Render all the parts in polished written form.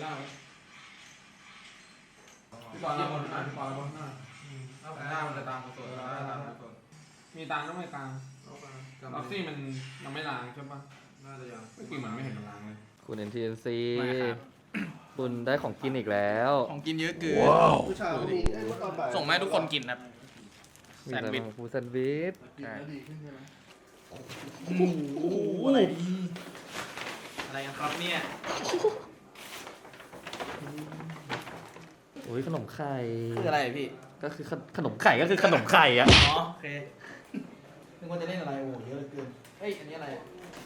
น้าพี่ปอนรับหมดหน้าพี่ปอนรับหมดหน้าหน้ามันจะตามกุศลมีตังก็ไม่ตังล็อกซี่มันยังไม่ล้างใช่ปะน่าจะยังไม่กี่เหมือนไม่เห็นมันล้างเลยคุณ NTNC คุณได้ของกินอีกแล้วของกินเยอะเกินส่งมาให้ทุกคนกินครับแซนด์วิชฟูแซนด์วิชอะไรดีอะไรกันครับเนี่ยโอ้ยขนมไข่คืออะไรพี่ก็คือขนมไข่ก็คือขนมไข่อะอ๋อโอเคนึกว่าจะเล่นอะไรโอ้เยอะเกินเฮ้ยอันนี้อะไร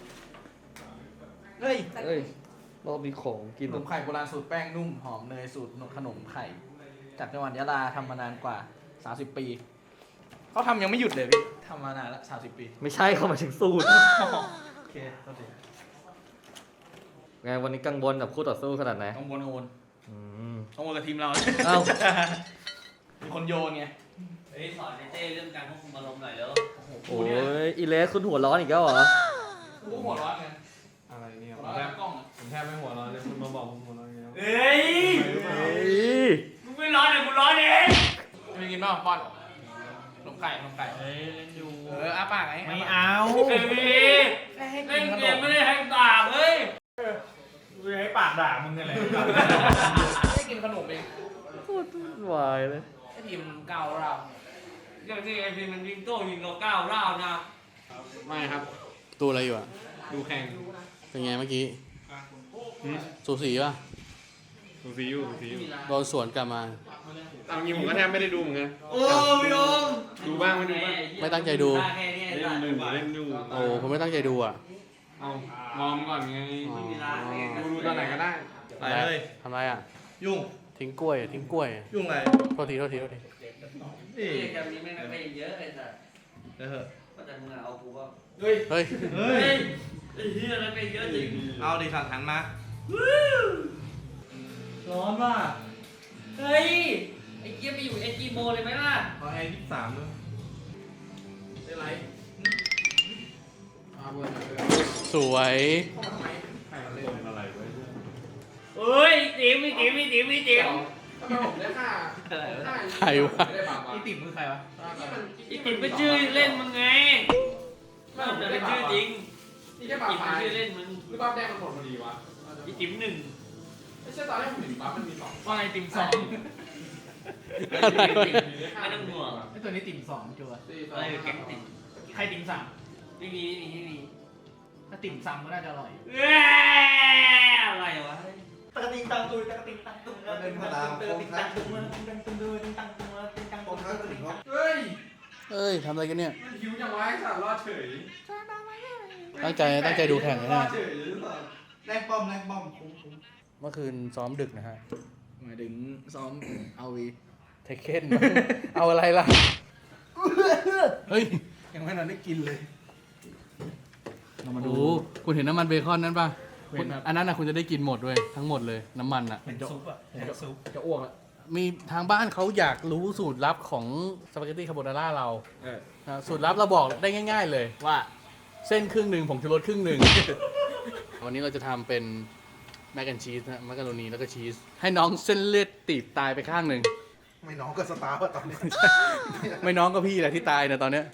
เฮ้ยรอบนี้ของกินขนมไข่โบราณสูตรแป้งนุ่มหอมเนยสูตรขนมไข่จากจังหวัดยะลาทำมานานกว่า30ปีเขาทำยังไม่หยุดเลยพี่ทำมานานละ30ปีไม่ใช่เขาหมายถึงสูตรโอเคโทษทีไงวันนี้กังวลกับคู่ต่อสู้ขนาดไหนกังวลกับทีมเราเอ้ามีคนโยนไงเฮ้ยสอนเต้เรื่องการควบคุมอารมณ์หน่อยแล้วโอ้ยอีเลสคุณหัวร้อนอีกแล้วเหรอกูหัวร้อนไงอะไรเนี่ยผมแทบไม่หัวร้อนเลยคุณมาบอกผมหัวร้อนไงเฮ้ยมึงไม่ร้อนเลยกูร้อนเองไม่กินบ้างบอลขนมไข่เฮ้ยเล่นอยู่อ้าปากไงไม่เอาเล่นเกมไม่ได้ให้ปากเฮ้ยกูให้ปากด่ามึงไงเลยไม่กินขนมเองพูดวายเลยไอทีมเก่าเราอย่างที่ไอทีมมันยิงโต้ยิงเราก้าวร้าวนะไม่ครับดูอะไรอยู่อ่ะดูแข่งเป็นไงเมื่อกี้สูสีป่ะดูซีอยู่โดนสวนกลับมาตามจริงผมก็แทบไม่ได้ดูเหมือนกันโอ้ยโยมดูบ้างไม่ดูบ้างไม่ตั้งใจดูเล่นดูโอ้ผมไม่ตั้งใจดูอ่ะเอามอมก่อนไงดูตอนไหนก็ได้ไปเลยทำไรอ่ะยุ่งทิ้งกล้วยยุ่งอะไรโทษทีนี่แกมีไม่นักเลงเยอะเลยสัสก็จะมึงเอากูก็เฮ้ยไอ้เหี้ยนักเลงเยอะจริงเอาดิสั่งหันมาร้อนว่ะเฮ้ยไอ้เกียร์ไปอยู่SG Moเลยไหมล่ะขอแอร์23ด้วยได้ไรสวยเฮ้ยติ๋มทำไมผมได้ค่าใครวะอีติ๋มคือใครวะอีติ๋มเป็นชื่อเล่นมึงไงไม่ผมเป็นชื่อจริงอีติ๋มเป็นชื่อเล่นมึงหรือว่าแดงมันหมดพอดีวะอีติ๋ม1 ไม่ใช่ตอนแรกผมเห็นปั๊บมันมี2 ว่าไอติ๋ม2ไม่ต้องห่วงไอตัวนี้ติ๋ม2จัวอะไรแก๊งติ๋มใครติ๋ม3 ไม่มีถ้าติ๋ม3ก็น่าจะอร่อยอะไรวะตะติงตังตุยเป็นพลังโคงคัดเฮ้ยทำอะไรกันเนี่ยมันหิวจังวะไอ้สัตว์รอดเฉยตั้งใจดูแข่งนะเนี่ยแรงป้อมเมื่อคืนซ้อมดึกนะฮะหมายถึงซ้อมเอาวีเทคเคนเอาอะไรล่ะเฮ้ยยังไม่นอนได้กินเลยเรามาดูคุณเห็นน้ำมันเบคอนนั้นป่ะอันนั้นนะคุณจะได้กินหมดด้วยทั้งหมดเลยน้ำมันอ่ะเป็นซุปอ่ะจะอ้วกละมีทางบ้านเขาอยากรู้สูตรลับของสปาเกตตี้คาโบนาร่าเราสูตรลับเราบอกได้ง่ายๆเลยว่าเส้นครึ่งหนึ่งผงชูรสครึ่งหนึ่งวันนี้เราจะทำเป็นแมคแอนชีสนะมักกะโรนีแล้วก็ชีสให้น้องเส้นเลือดตีบตายไปข้างหนึ่งไม่น้องก็สตาร์ว่ะตอนนี้ไม่น้องก็พี่แหละที่ตายนะตอนเนี้ย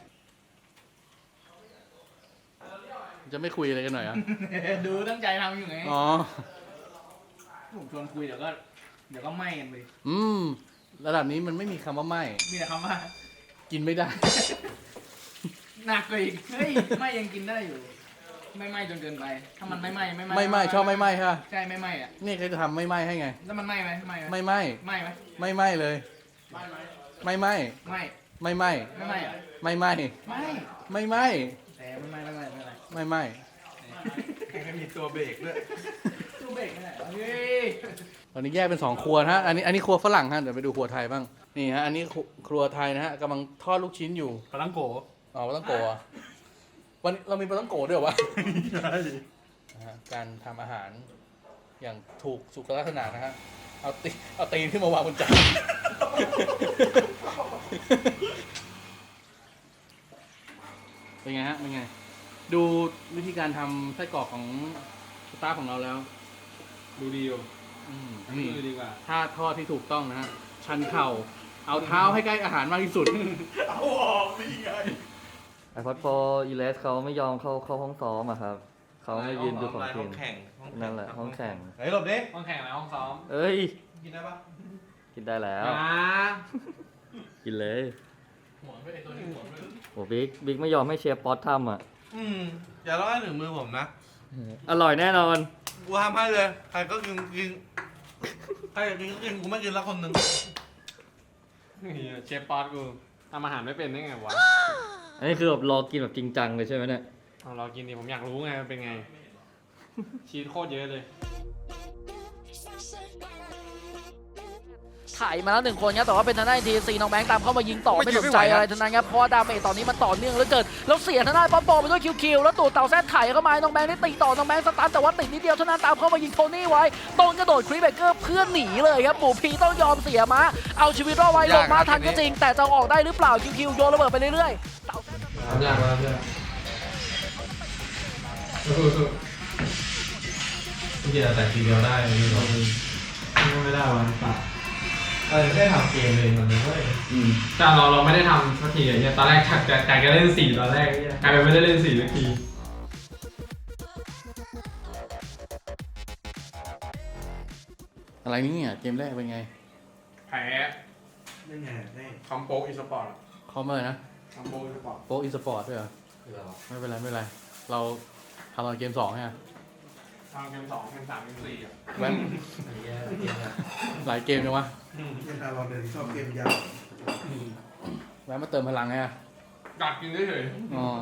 จะไม่คุยอะไรกันหน่อยอ่ะดูตั้งใจทำอยู่ไงอ๋อผมชวนคุยเดี๋ยวก็ไหม้กันไประดับนี้มันไม่มีคำว่าไหม้มีแต่คำว่ากินไม่ได้หนักกว่าอีกเฮ้ยไหม้ยังกินได้อยู่ไม่ไหม้จนเกินไปถ้ามันไม่ไหม้ชอบไม่ไหม้ค่ะใช่ไม่ไหม้อ่ะนี่เขาจะทำไม่ไหม้ให้ไงแล้วมันไหม้ไหมไม่ไหม้ไม่ไหม้เลยไม่ไหม้ไม่ไหม้ไม่ไหม้ไม่ไหม้แต่ไม่ไหม้ไม่มีตัวเบรกด้วยตัวเบรกไม่ได้เฮ้ยตอนนี้แยกเป็น2ครัวฮะอันนี้ครัวฝรั่งฮะเดี๋ยวไปดูครัวไทยบ้างนี่ฮะอันนี้ครัวไทยนะฮะกำลังทอดลูกชิ้นอยู่ปลาตั้งโกอ๋อปลาตั้งโกะวันเรามีปลาตั้งโกะด้วยวะการทำอาหารอย่างถูกสุขลักษณะนะฮะเอาตีนขึ้นมาวางบนจานเป็นไงฮะเป็นไงดูวิธีการทำไส้กรอกของสตาฟของเราแล้วดูดีอยู่นี่มือดีกว่าท่าทอดที่ถูกต้องนะฮะ ชันเข่า เอาเท้าให้ใกล้อาหารมากที่สุดเอาออกนี่ไง iPod 4 ELS เขาไม่ยอมเข้าห้องซ้อมอะครับ เขาไม่ยืนดูของกินนั่นแหละห้องแข่งเฮ้ยหลบดิห้องแข่งแล้วห้องซ้อมเอ้ยกินได้ปะกินได้แล้ว กินเลยหัวไม่ไอตัวนี้หัวไม่โอ้บิ๊กไม่ยอมให้เชฟป๊อตทำอ่ะอย่าร้อยถึงมือผมนะอร่อยแน่นอนกูทำให้เลย ใครก็กินใครอยากกินก็กิน กูไม่กินละคนหนึ่งเชฟป๊อตกูทำอาหารไม่เป็นได้ไงวะอันนี้คือแบบรอกินแบบจริงจังเลยใช่ไหมเนี่ยเอาเรากินดิผมอยากรู้ไงมันเป็นไง ชีสโคตรเยอะเลยถ่ายมาแล้ว1 คนครับแต่ว่าเป็นทางด้านทีซีน้องแบงค์ตามเข้ามายิงต่อไม่สนใจอะไรทั้งนั้นครับเพราะว่าดาเมจตอนนี้มันต่อเนื่องเหลือเกินแล้วเสียทางด้านป๊อปโปไปด้วยคิวแล้วตูดเต่าแซดไถ่เข้ามาน้องแบงค์ได้ตีต่อน้องแบงค์สตาร์ทแต่ว่าติดนิดเดียวเท่านั้นตามเข้ามายิงโทนี่ไว้โดนกระโดดครีเบเกอร์เพื่อนหนีเลยครับหมูพีต้องยอมเสียม้าเอาชีวิตรอดไว้ลงมาทันก็จริงแต่จะออกได้หรือเปล่าคิวโยนระเบิดไปเรื่อยๆเต่าทำยากมากเพื่อนสู้ๆกินแต่ทีเดียวได้ไม่ต้องไม่ได้วันปะไม่ได้ทำเกมเลยมันเลยเว้ยแต่เราไม่ได้ทำสักทีเนี่ยตอนแรกแต่จะเล่น4ตอนแรกกลายเป็นไม่ได้เล่น4สักทีอะไรนี่เนี่ยเกมแรกเป็นไงแพ้นี่ไงนี่คอมโปอีสปอร์ตคอมเลยนะคอมโปอีสปอร์ตโป๊อีสปอร์ตด้วยเหรอ ไม่เป็นไรไม่เป็นไร เราทำตอนเกม2ไงทำเกม2เกม3เกม4อ่ะแว้นหลายเกมจังวะเราเดินชอบเกมยาวแว้นมาเติมพลังไงอะกัดกินเฉยอ๋อ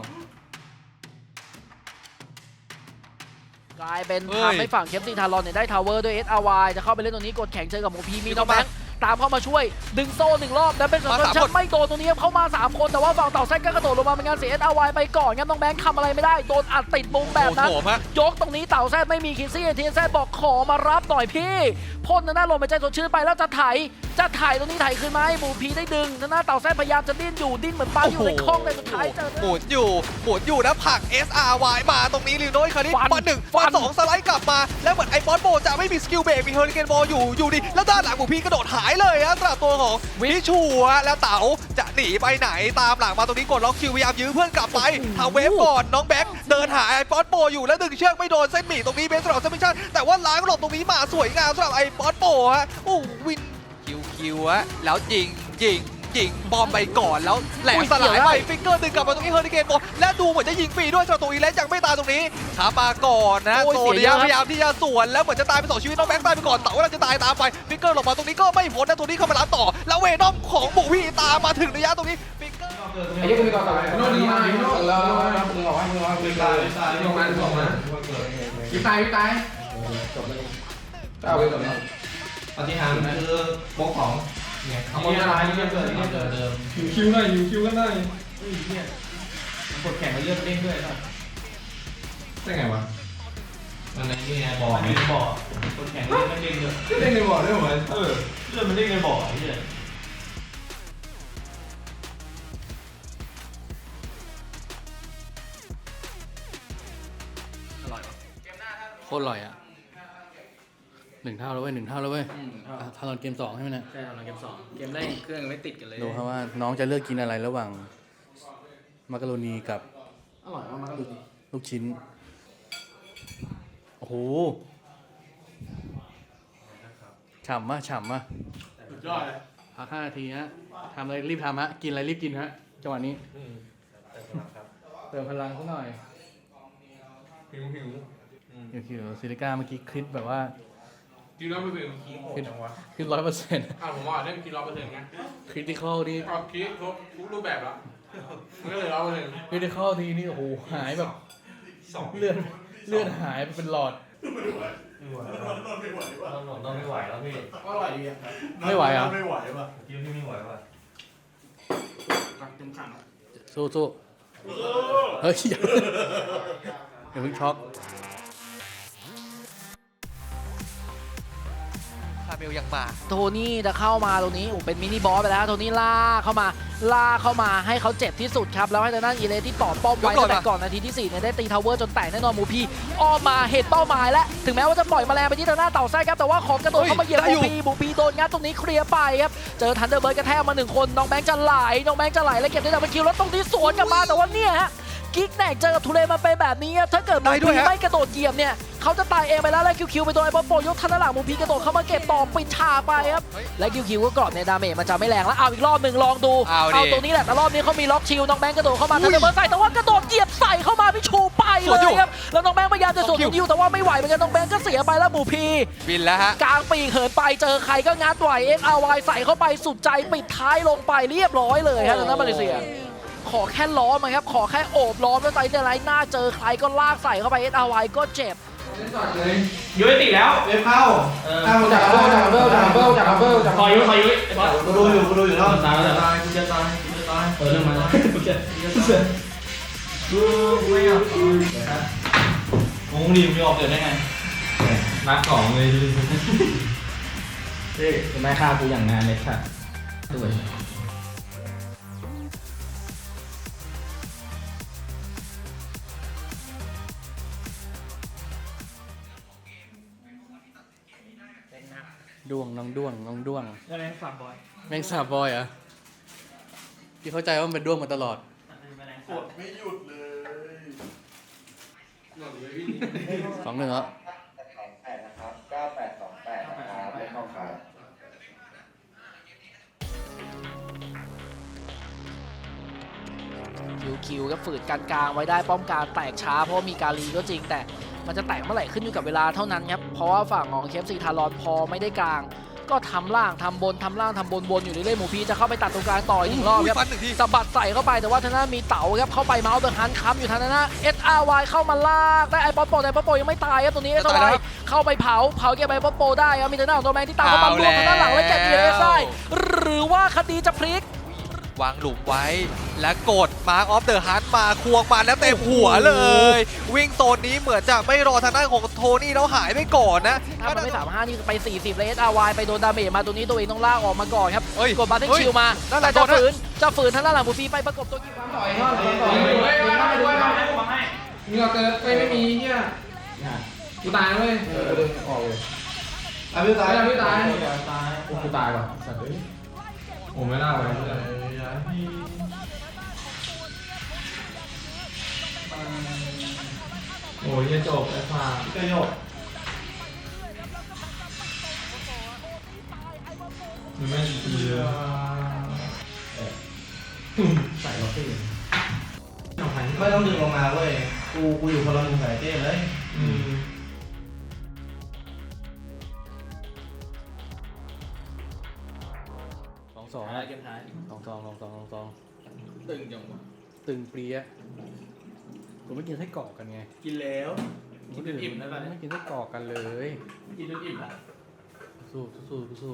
กลายเป็นทำให้ฝั่งเคปติงทารอนเนี่ยได้ทาวเวอร์ด้วย SRY จะเข้าไปเล่นตรงนี้กดแข่งเจอกับโมพีมีน้องแบงค์ตามเข้ามาช่วยดึงโซ่1 รอบแล้วเป็นสำหรับชักไม่โดนตรงนี้เข้ามา3 คนแต่ว่าฝั่งเต่าแซกก็กระโดดลงมาเป็นงานเสีย SRY ไปก่อนครับน้องแบงค์ทำอะไรไม่ได้โดนอัดติดมุมแบบนั้นยกตรงนี้เต่าแซดไม่มีคิซี่ทีแซดบอกขอมารับหน่อยพี่พ่นหน้าลมไปใจสดชื่นไปแล้วจะถ่ายตรงนี้ถ่ายคืนไหมหมูพีได้ดึงหน้าเต่าแซดพยายามจะดิ้นอยู่ดิ้นเหมือนปลาอยู่ในคลองแต่สุดท้ายเจอหมุนอยู่นะผลัก SRY มาตรงนี้ลิวโน้ยคราวนี้ฟัน1ฟัน2สไลด์กลับมาแล้วเหมือนไอ้บอสโบจะไม่มีสกิลเบรกมีเฮอริเคนบอลอยู่ดีแล้วด้านหลังหมูพีกระโดดหายเลยฮะสำหรับตัวของวิชัวแล้วเต๋าจะหนีไปไหนตามหลังมาตรงนี้กดล็อกคิวพยายามยื้อเพื่อนกลับไปทำเวฟก่อนน้องแบ็คเดินหาไอ้บอสโบอยู่แล้วดึงเชือกไม่โดนเส้นหมี่ตรงนี้เบสสำหรับซัมมิชั่นแต่ว่าล้างหลบตรงนี้มาสวยงามสำหรับไอ้บอสโบฮะโอ้วินคิวฮะแล้วยิงบอมไปก่อนแล้วแหลกสลายไปฟิกเกอร์ดึงกลับมาตรงนี้เฮอริเคนบอลและดูเหมือนจะยิงฟรีด้วยสำหรับตัวอีเลสยังไม่ตายตรงนี้ขามาก่อนนะโซเดียพยายามที่จะสวนแล้วเหมือนจะตายไป2 ชีวิตน้องแบงค์ตายไปก่อนเต๋าเราจะตายตามไปฟิกเกอร์หลบมาตรงนี้ก็ไม่พ้นนะตัวนี้เข้ามารับต่อแล้วเวนอมของบุกพี่ตามมาถึงระยะตรงนี้ฟิกเกอร์ไอ้ยี่คุณก่อนต่อไปโน่นดีมากโน่นแล้วมึงบอกให้มึงรอมึงตายลงมาพี่ตายจบเลยเอาไปจบแล้วปฏิหารคือบกของเนี่ยขโมยอะไรนี่เกิดเดิมคิวหน่อยคิวกันหน่อยกดแข่งมาเลือกเด้งด้วยนะได้ไงวะมันในนี่ไงบ่อในบ่อกดแข่งเลือกเด้งด้วยเด้งในบ่อด้วยเหรอเลือดมันเด้งในบ่อเนี่ยโคตรอร่อยอ่ะ1 เท่าแล้วเว้ย1 เท่าแล้วเว้ยทำตอนเกม2ใช่ไหมเนี่ยใช่ทำเกม2เกมแรกเครื่องยังไม่ติดกันเลยดูครับว่าน้องจะเลือกกินอะไรระหว่างมักกะโรนีกับอร่อยมากๆเลยลูกชิ้น โอ้โห ฉ่ำมากสุดยอดเลยพัก5 นาทีฮะทำอะไรรีบทำฮะ กินอะไรรีบกินฮะ จังหวะนี้ เติมพลังสักหน่อยหิวคิวซิลิก้าเมื่อกี้คลิปแบบว่ากิน100% ขึ้น100% ผมว่าเล่นกิน100%ไงคริติคอลนี่ก็คิดครบทุกรูปแบบแล้วมันก็เลย100% คริติคอลทีนี่โอ้โหหายแบบเลื่อนหายไปเป็นหลอดต้องไม่ไหวแล้วพี่ก็อร่อยดีอ่ะไม่ไหวอ่ะไม่ไหวป่ะกินที่ไม่ไหวป่ะกัดเต็มขันสู้เฮ้ยอย่าเพิ่งช็อกใครเมลยังมาโทนี่จะเข้ามาตรงนี้เป็นมินิบอสไปแล้วโทนี่ลากเข้ามาให้เขาเจ็บที่สุดครับแล้วให้ทางด้านอีเลสที่ต่อป้อมไว้ตั้งแต่ก่อนนาทีที่4เนี่ยได้ตีทาวเวอร์จนแตกแน่นอนหมูพีอ้อมมาเห็นเป้าหมายแล้วถึงแม้ว่าจะปล่อยแมลงไปที่ทางหน้าเต่าไส้ครับแต่ว่าของกระโดดเข้ามาเหยียบหมูพีโดนงัดตรงนี้เคลียร์ไปครับเจอทันเดอร์เบิร์ดกระแทกมา1คนน้องแบงค์จะไหลแล้วเก็บได้ดับเบิลคิวแล้วตรงนี้สวนกลับมาแต่ว่าเนี่ยฮะกิ๊กแนกเจอกับทูเลมาเป็นแบบนี้ถ้าเกิดหมูพีไม่กระโดดเหยียบเนี่ยเขาจะตายเองไปแล้วคิวไปโดนไอ้บอลโปยกทันหลังหมูพีกระโดดเข้ามาเก็บต่อปิดฉากไปครับและคิวก็กรอบในดาเมจมันจะไม่แรงแล้วเอาอีกรอบหนึ่งลองดูเอาตรงนี้แหละแต่รอบนี้เขามีล็อกชิลน้องแบงค์กระโดดเข้ามาทันเดอร์เบิร์ดใส่แต่ว่ากระโดดเหยียบใส่เข้ามาพี่ชูไปเลยครับแล้วน้องแบงค์พยายามจะสวนคิวแต่ว่าไม่ไหวเหมือนกันน้องแบงค์ก็เสียไปแล้วหมูพีบินแล้วฮะกลางปีกเหินไปเจอใครก็งัดไหว XRY ใส่เข้าไปสุดใจปิดท้ายลงไปเรียบร้อยเลยฮะทางด้านมาเลเซียขอแค่ล้อมครับขอแค่โอบล้อมแล้วใจในไรหน้าเจอใครก็ลากใส่เข้าไป XRY ก็เจ็บยุ้ยติแล้วเว็บเข้าจากอัพเบิลคอยยุ้ยไอ้บอสกูดูอยู่แล้วตายแล้วกูจะตายเรื่องมาแล้วกูไม่เอางงดีมึงออกเกิดได้ไงนักของเลยเฮ้ยจะไม่ฆ่ากูอย่างงานเลยค่ะด้วยด้วงน้องด้วงแล้วแม่งฝากบอยแมงสาบบอยเหรอ่ะพี่เข้าใจว่ามันเป็นด้วงมาตลอดกดไม่หยุดเลย 2-1แล้วคิวก็ฝืนการกลางไว้ได้ป้อมกลางแตกช้าเพราะมีการีก็จริงแต่มันจะแตกเมื่อไหร่ขึ้นอยู่กับเวลาเท่านั้นครับเพราะว่าฝั่งของเคฟซีทารอนพอไม่ได้กลางก็ทำล่างทำบนวนอยู่เรื่อยๆหมูพีจะเข้าไปตัดตรงกลางต่ออีก1 รอบครับฟันหนึ่งทีสะบัดใส่เข้าไปแต่ว่าทางหน้ามีเต๋าครับเข้าไปเมาส์เดอะฮันค้ำอยู่ทางหน้า SRY เข้ามาลากได้ไอ้ป๊อปโปยังไม่ตายครับตัวนี้ SRY เข้าไปเผาเก็บไอ้ป๊อปโปได้ครับมีทางหน้าของตัวแมนที่ตามเข้ามาบวกทางด้านหลังและเก็บเยสได้หรือว่าคดีจะพลิกวางหลุมไว้และกดมาร์คออฟเดอะฮันมาควงมาแล้วเต็มหัวเลย วิ่งโซนนี้เหมือนจะไม่รอทางด้านของโทนี่แล้วหายไปก่อนนะถ้ามันไม่35นี่ไป40เลย SRY ไปโดนดาเมจมาตัวนี้ตัวเองต้องลากออกมาก่อนครับเฮ้ยกดบัตเทิลชิลมานั่นแหละจะฝืนทางด้านหลังบูฟีไปประกบตัวกินต่อยมีเราเกิดไม่มีเฮียกูตายเลยออกเลยพี่ตายกูตายว่ะสัตว์เลยโอ้ไม่น่าเลยโอ้ยจบไอ้ฟ้าก็โยกมันไม่ดีเลยใส่ล็อกเกอร์ไม่ต้องดึงลงมาเว้ยกูอยู่คนละมุมกับเจ้เลย 2-2 อะไรเกมท้าย 2-2 ตึงจังวะตึงเปรี้ยผมไม่กินไส้กรอกกันไงกินแล้วกินจนอิ่มได้ป่ะไม่กินไส้กรอกกันเลยกินจนอิ่มละสู้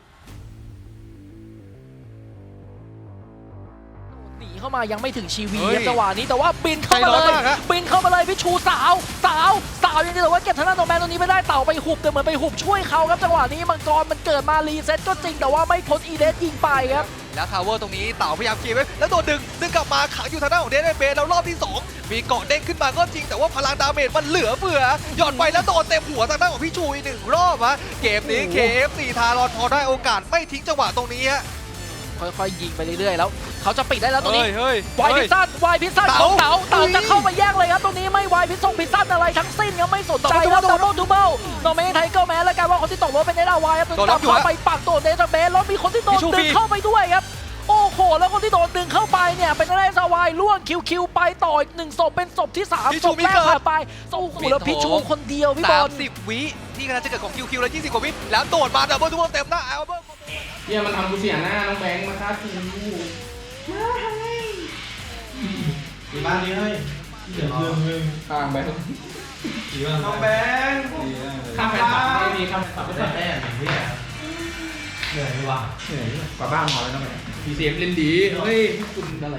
หนีเข้ามายังไม่ถึงชีวีเฮ้ยจังหวะนี้แต่ว่าบินเข้ามาเลยใจร้อนมากฮะพี่ชูสาวยังจะแต่ว่าเก็บทางด้านโนแมนตรงนี้ไม่ได้เต่าไปหุบแต่เหมือนไปหุบช่วยเขาครับจังหวะนี้มังกรมันเกิดมารีเซ็ตก็จริงแต่ว่าไม่พ้นอีเดสยิงไปครับแล้วทาวเวอร์ตรงนี้เต่าพยายามเคลียร์ไว้แล้วโดนดึงกลับมาขังอยู่ทางด้านของเดนเบสแล้วรอบที่ 2 มีเกาะเด้งขึ้นมาก็จริงแต่ว่าพลังดาเมจมันเหลือเฟือหย่อนไปแล้วโดนเต็มหัวทางด้านของพี่ชูอีก1 รอบฮะเกมนี้ KFC ทารอนพอได้โอกาสไม่ทิ้งจังหวะตรงนี้ฮะค่อยๆยิงไปเรื่อยๆแล้วเขาจะปิดได้แล้วตรงนี้เฮ้ยวายพิซซ่าของเต๋าจะเข้าไปแย่งเลยครับตรงนี้ไม่วายพิซซ่าอะไรทั้งสิ้นครับไม่สนใจครับดับเบิลทูเบิลโนเมนไทเกอร์แมนแล้วกันว่าคนที่ตกรถเป็นSRYครับตามเข้าไปปักตัวเดซเบสแล้วมีคนที่โดนดึงเข้าไปด้วยครับโอ้โหแล้วคนที่โดนดึงเข้าไปเนี่ยเป็นSRYล่วงคิวไปต่ออีก1 ศพเป็นศพที่3ศพแรกผ่านไปโอ้โหแล้วพิชูคนเดียวพี่บอล 30 วิที่กำลังจะเกิดของคิวแล้ว20 กว่าวิแล้วโดดมาดับเบิลทูเบิลเต็มหน้าอัลเบิร์ตเฮียมันทำกูเสียหน้าน้องแบงค์มาฆ่ากูมีบ้านนี้เฮ้ยข้างแบงค์น้องแบงค์ข้ามแฟนคลับไม่มีข้ามแฟนคลับไม่ได้แน่เหนื่อยว่ะเหนื่อยกว่าบ้านพอแล้วน้องแบงค์พีเซฟเล่นดีเฮ้ยคุณอะไร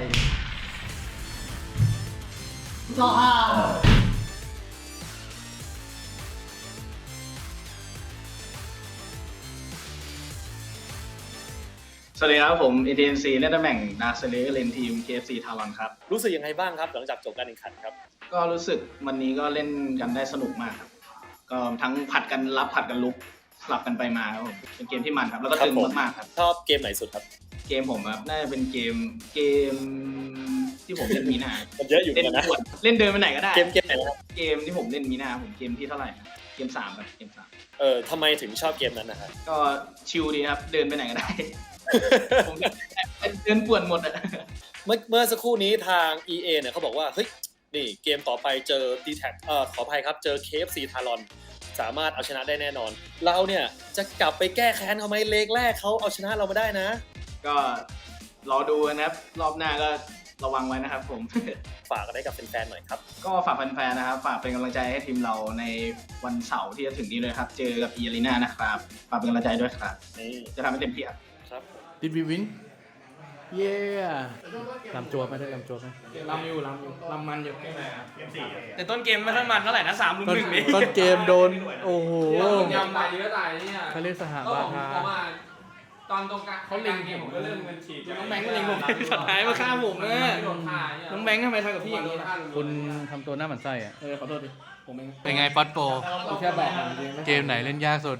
สวัสดีครับผม ATNC เล่นตำแหน่งดาร์คเซเลอร์เลนทีม KFC ทารอนครับรู้สึกยังไงบ้างครับหลังจากจบการแข่งขันครับก็รู้สึกวันนี้ก็เล่นกันได้สนุกมากครับ ก็ทั้งผัดกันรับผัดกันลุกสลับกันไปมาครับผมเป็นเกมที่มันครับ แล้วก็ตึงมากๆครับชอบเกมไหนสุดครับเกมผมครับน่าจะเป็นเกมที่ผมเล่นมีนามันเยอะอยู่เล่นนะปวดเล่นเดินไปไหนก็ได้เกมไหนนะครับเกมที่ผมเล่นมีนาผมเกมที่เท่าไหร่นะเกม3ครับเกม3 ทำไมถึงชอบเกมนั้นนะครับก็ชิลดีครับเดินไปไหนก็ได้ ผมเดินปวดหมดอะเมื่อสักครู่นี้ทาง EA เนี่ยเขาบอกว่าเฮ้ยนี่เกมต่อไปเจอ D-Tag ขออภัยครับเจอ KFC ทารอนสามารถเอาชนะได้แน่นอน เราเนี่ยจะกลับไปแก้แค้นเขาไหมเลกแรกเขาเอาชนะเรามาได้นะก็รอดูนะครับรอบหน้าก็ระวังไว้นะครับผมฝากกันได้กับแฟนๆหน่อยครับก็ฝากแฟนๆนะครับฝากเป็นกำลังใจให้ทีมเราในวันเสาร์ที่จะถึงนี้เลยครับ เจอกับอีอารีนานะครับฝากเป็นกำลังใจด้วยครับนี่จะทำให้เต็มที่ครับครับ Did we win เย้ลำจวบไหมได้ลำจวบไหมลำมันอยู่แต่ต้นเกมไม่ค่อยมันเท่าไหร่นะ3 ลุมต้น 1นี่ต้นเกมโดน โอ้โหยำตายเยอะตายเนี่ยเขาเรียกสหก็บาผมทาผมว่าตอนตรงกลางเขาเล็งเกมผมก็เริ่มมันฉีดน้องแบงค์ก็เล็งผมสุดท้ายมาฆ่าผมนะโดนฆ่าเนี่ยน้องแบงค์ทำไมทำกับพี่อย่างนี้นะคุณทำตัวหน้าหมันไส้อะขอโทษดิผมเองเป็นไงป๊อตโปผมแค่บอกมันจริงเกมไหนเล่นยากสุด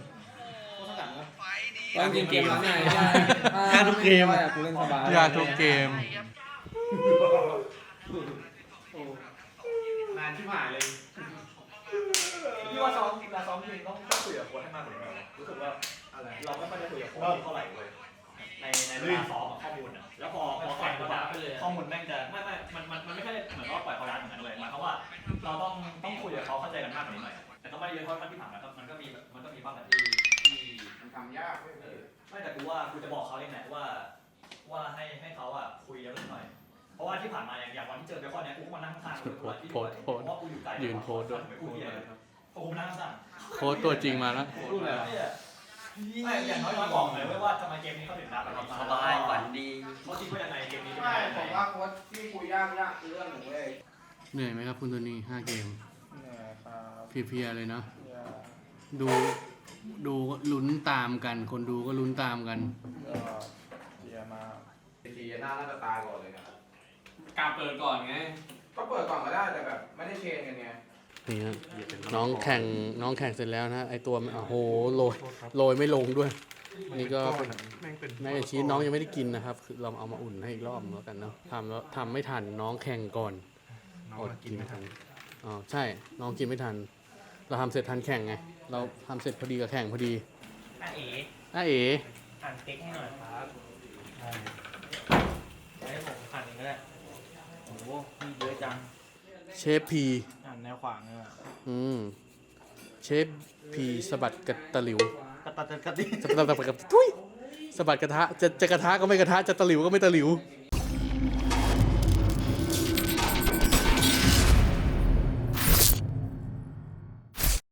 จริงเกมนั้นง่ายยากทุกเกมกูเล่นสบายยากทุกเกมนานที่ผ่านเลยพี่ว่าซ้อมเวลาซ้อมจริงต้องคุยกับโค้ชให้มากกว่านี้หน่อยรู้สึกว่าอะไรเราไม่ค่อยได้คุยกับโค้ชเท่าไหร่เลยในเวลาซ้อมข้อมูลอ่ะแล้วพอปล่อยเขาดับข้อมูลแม่งจะไม่มันไม่ใช่เหมือนว่าปล่อยเขาดับเหมือนกันเลยหมายความว่าเราต้องคุยกับเขาเข้าใจกันมากกว่านี้หน่อยแต่ต้องไม่เยอะเพราะที่ผ่านมามันก็มีบ้างแต่ที่มันทำยากเลยไม่แต่กูจะบอกเขาเองแหละว่าให้เขาอ่ะคุยเยอะหน่อยเพราะว่าที่ผ่านมาอย่างวันที่เจอเบคอนเนี่ยกูก็มานั่งข้างๆเพราะว่ากูอยู่ไกลยืนโพสด้วยกูเหี้ยเลยเพราะกูนั่งข้างโค้ชตัวจริงมาแล้วพูดเลยไม่อย่างน้อยๆบอกเลยว่าทำไมเกมนี้เขาถึงดับสบายฝันดีเขาคิดว่ายังไงเกมนี้ไม่ผมว่าโค้ชที่คุยยากคือเรื่องหนึ่งเว้ยเหนื่อยไหมครับคุณตัวนี้5 เกมเพลียๆเลยเนาะดูลุ้นตามกัน คนดูก็ลุ้นตามกันทีหน้าน่าจะตายก่อนเลยครับการเปิดก่อนไงก็เปิดก่อนก็ได้แต่แบบไม่ได้เชนกันไงนี่นะน้องแข่งเสร็จแล้วนะไอตัวโอ้โหโรยไม่ลงด้วย นี่ก็แม่ชีสน้องยังไม่ได้กินนะครับคือเราเอามาอุ่นให้อีกรอบแล้วกันเนาะทำไม่ทันน้องแข่งก่อนอดกินไม่ทันอ๋อใช่น้องกินไม่ทัน เราทำเสร็จทันแข่งไงเราทำเสร็จพอดีกับแข่งพอดีอ่ะเอ๋หั่นเต็กให้หน่อยครับให้ผมหั่นเองก็ได้โอ้โหมีเยอะจังเชฟพีหั่นแนวขวางเลยอ่ะเชฟพีสะบัดกระตะหลิวกระตัดกระติสะบัดกระทุยสะบัดกระทะจะกระทะก็ไม่กระทะจะตะหลิวก็ไม่ตะหลิวเ